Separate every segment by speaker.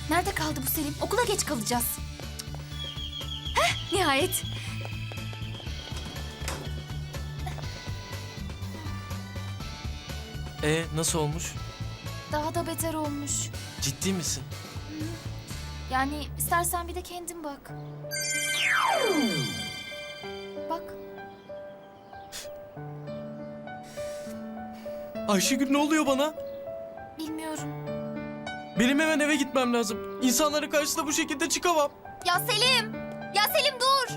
Speaker 1: Nerede kaldı bu Selim? Okula geç kalacağız. Heh, nihayet.
Speaker 2: Nasıl olmuş?
Speaker 1: Daha da beter olmuş.
Speaker 2: Ciddi misin?
Speaker 1: Yani istersen bir de kendin bak. Bak.
Speaker 2: Ayşegül, ne oluyor bana?
Speaker 1: Bilmiyorum.
Speaker 2: Benim hemen eve gitmem lazım. İnsanların karşısına bu şekilde çıkamam.
Speaker 1: Ya Selim! Ya Selim dur!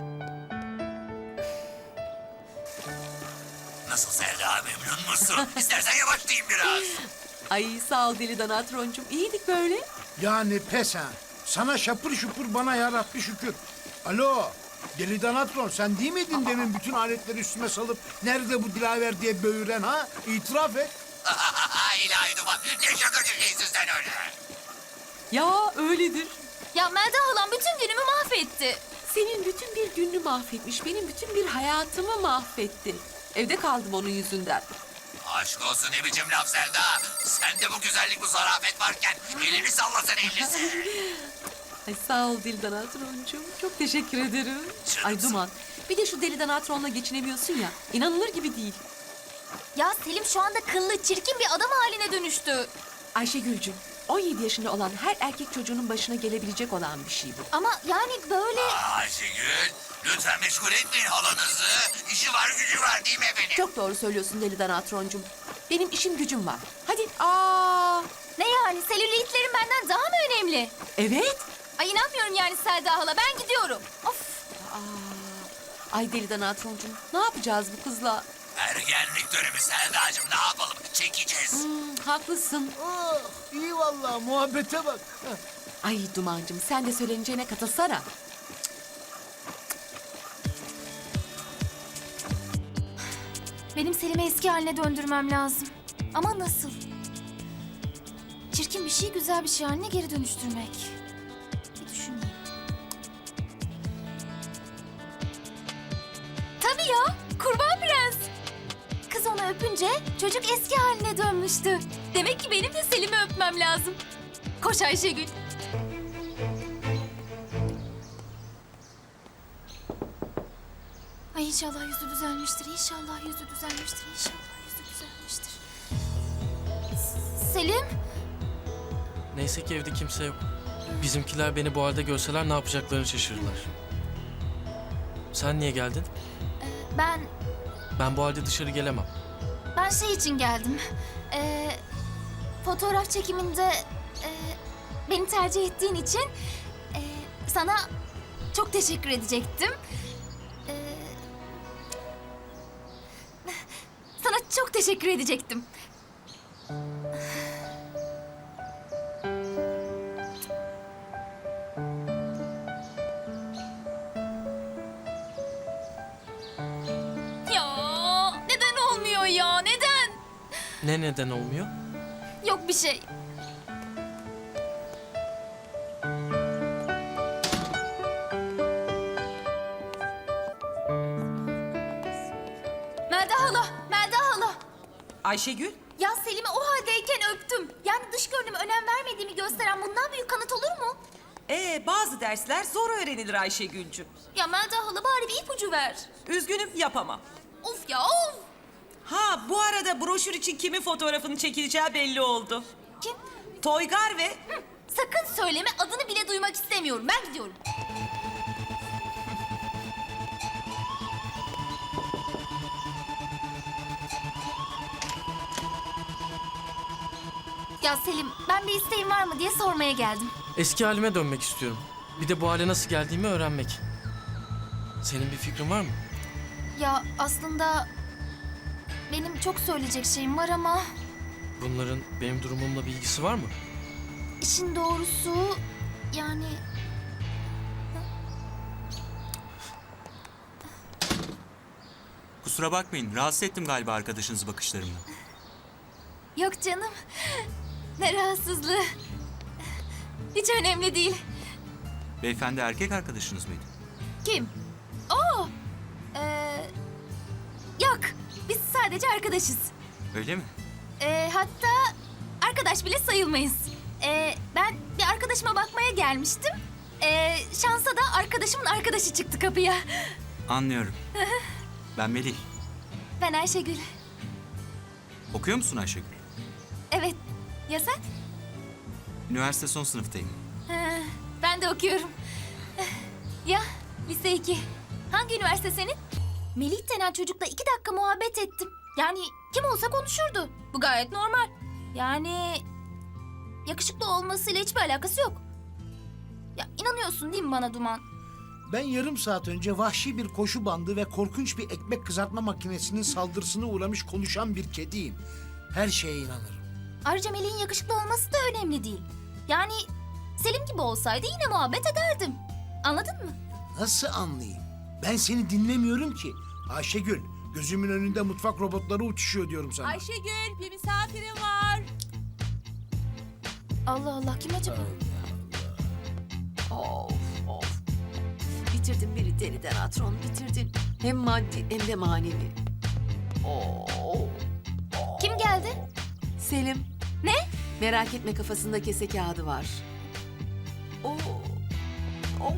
Speaker 3: Nasıl Selda, memnun musun? İstersen yavaşlayayım biraz.
Speaker 4: Ay sağ ol deli Danatroncum. İyiydik böyle.
Speaker 5: Yani pes ha. Sana şapır şupur, bana yarabbi şükür. Alo, deli Danatron, sen değil miydin demin bütün aletleri üstüme salıp nerede bu Dilaver diye böğüren ha? İtiraf et.
Speaker 3: İlahi Duman, ne şakacı şeysin sen öyle.
Speaker 4: Ya öyledir.
Speaker 1: Ya Melda halam bütün günümü mahvetti.
Speaker 4: Senin bütün bir gününü mahvetmiş. Benim bütün bir hayatımı mahvetti. Evde kaldım onun yüzünden.
Speaker 3: Aşk olsun, ne biçim laf Selda. Sen de bu güzellik, bu zarafet varken elini sallasın ellisi.
Speaker 4: Ay sağ ol deli Danatroncum. Çok teşekkür ederim.
Speaker 3: Canımsın.
Speaker 4: Ay Duman. Bir de şu deli Danatron'la geçinemiyorsun ya. İnanılır gibi değil.
Speaker 1: Ya Selim şu anda kıllı, çirkin bir adam haline dönüştü.
Speaker 4: Ayşegül'cüm, 17 yaşında olan her erkek çocuğunun başına gelebilecek olan bir şey bu.
Speaker 1: Ama yani böyle...
Speaker 3: Ayşegül, lütfen meşgul etmeyin halanızı. İşi var, gücü var değil mi efendim?
Speaker 4: Çok doğru söylüyorsun deli Danatroncum. Benim işim gücüm var. Hadi
Speaker 1: Ne yani? Selülitlerin benden daha mı önemli?
Speaker 4: evet.
Speaker 1: Ay inanmıyorum yani Selda hala. Ben gidiyorum. Of.
Speaker 4: Ay deli Danatroncum, ne yapacağız bu kızla?
Speaker 3: Ergenlik dönemi Selda'cığım, ne yapalım? Çekeceğiz.
Speaker 4: Haklısın.
Speaker 5: Oh, iyi vallahi, muhabbete bak.
Speaker 4: Ay Dumancığım, sen de söyleneceğine katılsana.
Speaker 1: Benim Selim'i eski haline döndürmem lazım. Ama nasıl? Çirkin bir şeyi güzel bir şey haline geri dönüştürmek. Bir düşüneyim. Tabii ya, kurban prens. Kız onu öpünce çocuk eski haline dönmüştü. Demek ki benim de Selim'i öpmem lazım. Koş Ayşegül. Ay inşallah yüzü düzelmiştir, inşallah yüzü düzelmiştir, inşallah yüzü düzelmiştir. Selim?
Speaker 2: Neyse ki evde kimse yok. Bizimkiler beni bu halde görseler ne yapacaklarını şaşırırlar. Sen niye geldin?
Speaker 1: Ben
Speaker 2: Ben bu halde dışarı gelemem.
Speaker 1: şey için geldim. Fotoğraf çekiminde beni tercih ettiğin için sana çok teşekkür edecektim. Sana çok teşekkür edecektim. Ya neden olmuyor ya? Neden?
Speaker 2: Neden olmuyor?
Speaker 1: Yok bir şey. Melda hala, Melda hala.
Speaker 4: Ayşegül?
Speaker 1: Ya Selim'i o haldeyken öptüm. Yani dış görünüme önem vermediğimi gösteren bundan büyük kanıt olur mu?
Speaker 6: Bazı dersler zor öğrenilir Ayşegül'cüm.
Speaker 1: Ya Melda hala bari bir ipucu ver.
Speaker 6: Üzgünüm, yapamam.
Speaker 1: Of ya of.
Speaker 6: Ha, bu arada broşür için kimin fotoğrafını çekileceği belli oldu.
Speaker 1: Kim?
Speaker 6: Toygar ve...
Speaker 1: Sakın söyleme, adını bile duymak istemiyorum. Ben gidiyorum. Ya Selim, ben bir isteğin var mı diye sormaya geldim.
Speaker 2: Eski halime dönmek istiyorum. Bir de bu hale nasıl geldiğimi öğrenmek. Senin bir fikrin var mı?
Speaker 1: Ya aslında benim çok söyleyecek şeyim var ama
Speaker 2: Bunların benim durumumla bir ilgisi var mı?
Speaker 1: işin doğrusu yani
Speaker 7: Kusura bakmayın, rahatsız ettim galiba arkadaşınızı bakışlarımla.
Speaker 1: yok canım. Ne rahatsızlığı. Hiç önemli değil.
Speaker 7: Beyefendi erkek arkadaşınız mıydı?
Speaker 1: Kim? Oo. Yok. Biz sadece arkadaşız.
Speaker 7: Öyle mi?
Speaker 1: Hatta arkadaş bile sayılmayız. Ben bir arkadaş arkadaşıma bakmaya gelmiştim. Şansa da arkadaşımın arkadaşı çıktı kapıya.
Speaker 7: Anlıyorum. Ben Melih.
Speaker 1: Ben Ayşegül.
Speaker 7: Okuyor musun Ayşegül?
Speaker 1: Evet. Ya sen?
Speaker 7: Üniversite son sınıftayım.
Speaker 1: Ben de okuyorum. Ya lise 2. Hangi üniversite senin? Melih denen çocukla 2 dakika muhabbet ettim. Yani kim olsa konuşurdu. Bu gayet normal. Yani yakışıklı olmasıyla hiçbir alakası yok. Ya inanıyorsun değil mi bana Duman?
Speaker 5: Ben yarım saat önce vahşi bir koşu bandı ve korkunç bir ekmek kızartma makinesinin saldırısına uğramış konuşan bir kediyim. Her şeye inanırım.
Speaker 1: Ayrıca Melih'in yakışıklı olması da önemli değil. Yani Selim gibi olsaydı yine muhabbet ederdim. Anladın mı?
Speaker 5: Nasıl anlayayım? Ben seni dinlemiyorum ki. Ayşegül, gözümün önünde mutfak robotları uçuşuyor diyorum sana.
Speaker 4: Ayşegül, bir misafirim var.
Speaker 1: Allah Allah, kim acaba?
Speaker 4: Of of. Bitirdin beni deliden Atron, bitirdin. Hem maddi hem de manevi. Oo.
Speaker 1: Kim geldi?
Speaker 4: Selim.
Speaker 1: Ne?
Speaker 4: Merak etme, kafasında kese kağıdı var. Oo. Of.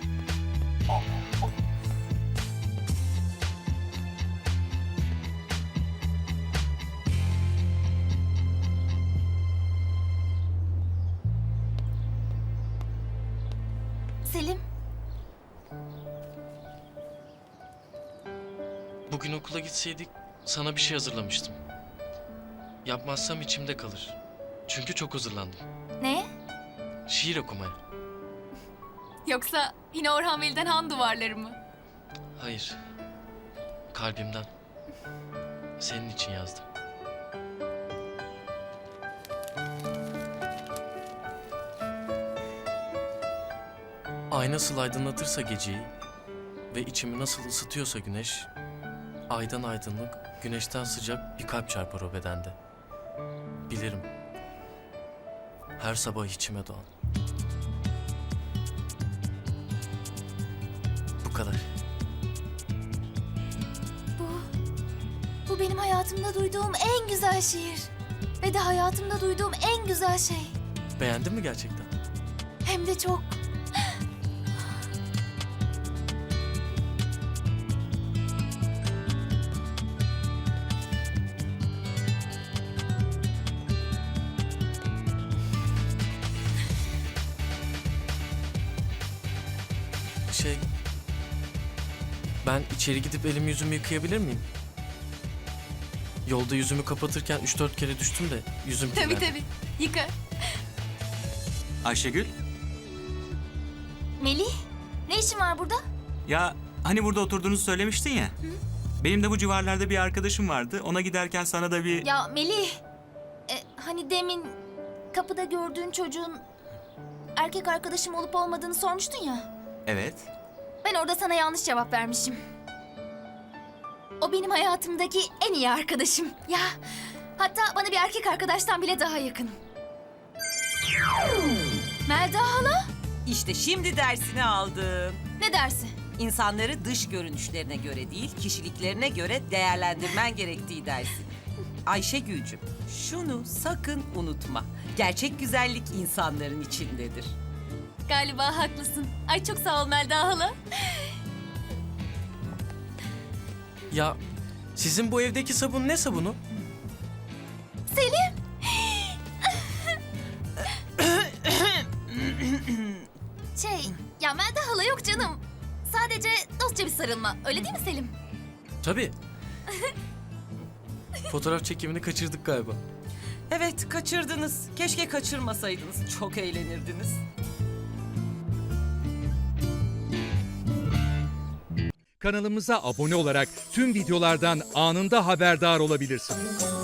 Speaker 1: Selim,
Speaker 2: Bugün okula gitseydik sana bir şey hazırlamıştım. Yapmazsam içimde kalır. Çünkü çok hazırlandım.
Speaker 1: ne?
Speaker 2: Şiir okumaya.
Speaker 1: Yoksa yine Orhan Veli'den Han duvarları mı?
Speaker 2: Hayır. Kalbimden. Senin için yazdım. Ay nasıl aydınlatırsa geceyi ve içimi nasıl ısıtıyorsa güneş, aydan aydınlık, güneşten sıcak bir kalp çarpar o bedende. Bilirim. Her sabah içime doğan. Bu kadar.
Speaker 1: Bu benim hayatımda duyduğum en güzel şiir. Ve de hayatımda duyduğum en güzel şey.
Speaker 2: Beğendin mi gerçekten?
Speaker 1: Hem de çok.
Speaker 2: Ben içeri gidip elimi yüzümü yıkayabilir miyim? Yolda yüzümü kapatırken 3-4 kere düştüm de yüzüm
Speaker 1: Tabii
Speaker 2: kirlendi.
Speaker 1: tabii. Yıka.
Speaker 7: Ayşegül,
Speaker 1: Melih, ne işin var burada?
Speaker 7: ya hani burada oturduğunuzu söylemiştin ya. Benim de bu civarlarda bir arkadaşım vardı. Ona giderken sana da bir...
Speaker 1: Ya Melih, hani demin kapıda gördüğün çocuğun erkek arkadaşım olup olmadığını sormuştun ya.
Speaker 7: Evet.
Speaker 1: Ben orada sana yanlış cevap vermişim. O benim hayatımdaki en iyi arkadaşım. Ya hatta bana bir erkek arkadaştan bile daha yakın. Melda hala?
Speaker 6: İşte şimdi dersini aldım.
Speaker 1: Ne dersi?
Speaker 6: İnsanları dış görünüşlerine göre değil, kişiliklerine göre değerlendirmen gerektiği dersi. Ayşegül'cüm, şunu sakın unutma. Gerçek güzellik insanların içindedir.
Speaker 1: Galiba haklısın. Ay çok sağ ol Melda hala.
Speaker 2: Ya sizin bu evdeki sabun ne sabunu?
Speaker 1: Selim. Ya Melda hala yok canım. Sadece dostça bir sarılma. Öyle değil mi Selim?
Speaker 2: Tabii. Fotoğraf çekimini kaçırdık galiba.
Speaker 6: Evet, kaçırdınız. Keşke kaçırmasaydınız. Çok eğlenirdiniz.
Speaker 8: Kanalımıza abone olarak tüm videolardan anında haberdar olabilirsiniz.